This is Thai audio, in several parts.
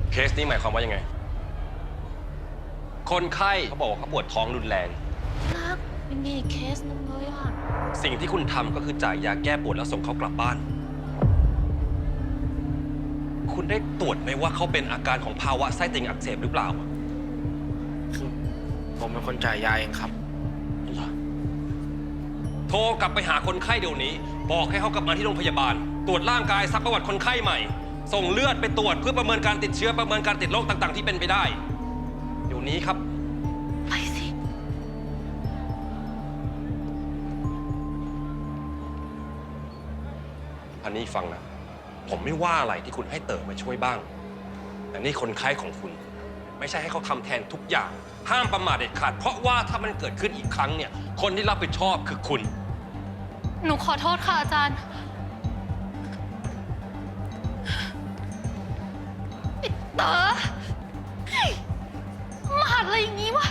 เคสนี้หมายความว่ายังไงคนไข้เขาบอกว่าเขาปวดท้องรุนแรงรักเป็นมีอีกเคสนึงเลยอ่ะสิ่งที่คุณทำก็คือจ่ายยาแก้ปวดแล้วส่งเขากลับบ้านคุณได้ตรวจไหมว่าเขาเป็นอาการของภาวะไส้ติ่งอักเสบหรือเปล่าผมเป็นคนจ่ายยาเองครับโทรกลับไปหาคนไข้เดี๋ยวนี้บอกให้เขากลับมาที่โรงพยาบาลตรวจร่างกายซักประวัติคนไข้ใหม่ส่งเลือดไปตรวจเพื่อประเมินการติดเชื้อประเมินการติดโรคต่างๆที่เป็นไปได้เดี๋ยวนี้ครับไปสิอันนี้ฟังนะผมไม่ว่าอะไรที่คุณให้เต๋อมาช่วยบ้างแต่นี่คนไข้ของคุณไม่ใช่ให้เขาทำแทนทุกอย่างห้ามประมาทเด็ดขาดเพราะว่าถ้ามันเกิดขึ้นอีกครั้งเนี่ยคนที่รับผิดชอบคือคุณหนูขอโทษค่ะอาจารย์เต๋อมาหัดอะไรอย่างงี้วะ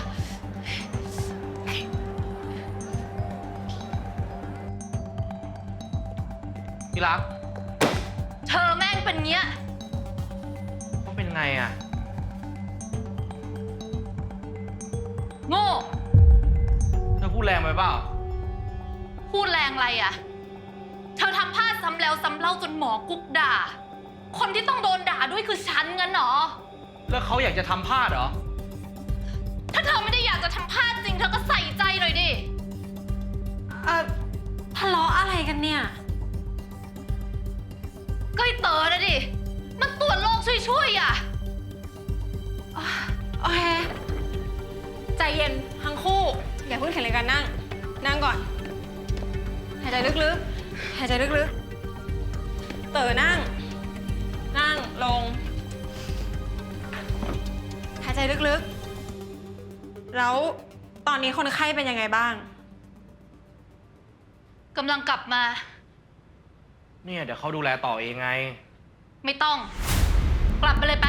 พี่รักเธอแม่งเป็นเงี้ยเขาเป็นไงอ่ะโง่เธอพูดแรงไปเปล่าพูดแรงอะไรอ่ะเธอทำพลาดซ้ำแล้วซ้ำเล่าจนหมอกุ๊กด่าคนที่ต้องโดนด่าด้วยคือฉันงั้นเหรอแล้วเขาอยากจะทำพลาดเหรอถ้าเธอไม่ได้อยากจะทำพลาดจริงเธอก็ใส่ใจหน่อยดิทะเลาะอะไรกันเนี่ยก็ไอ้เต๋อนะดิมันตรวจโรคช่วยๆอ่ะโอเคใจเย็นทั้งคู่อย่าเพิ่งแข่งเลยกันนั่งก่อนหายใจลึกๆหายใจลึกๆเต๋อนั่งลงหายใจลึกๆแล้วตอนนี้คนไข้เป็นยังไงบ้างกำลังกลับมาเนี่ยเดี๋ยวเขาดูแลต่อเองไงไม่ต้องกลับไปเลยไป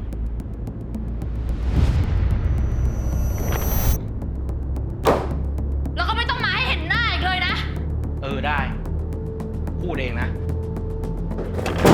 แล้วก็ไม่ต้องมาให้เห็นหน้าอีกเลยนะได้พูดเองนะ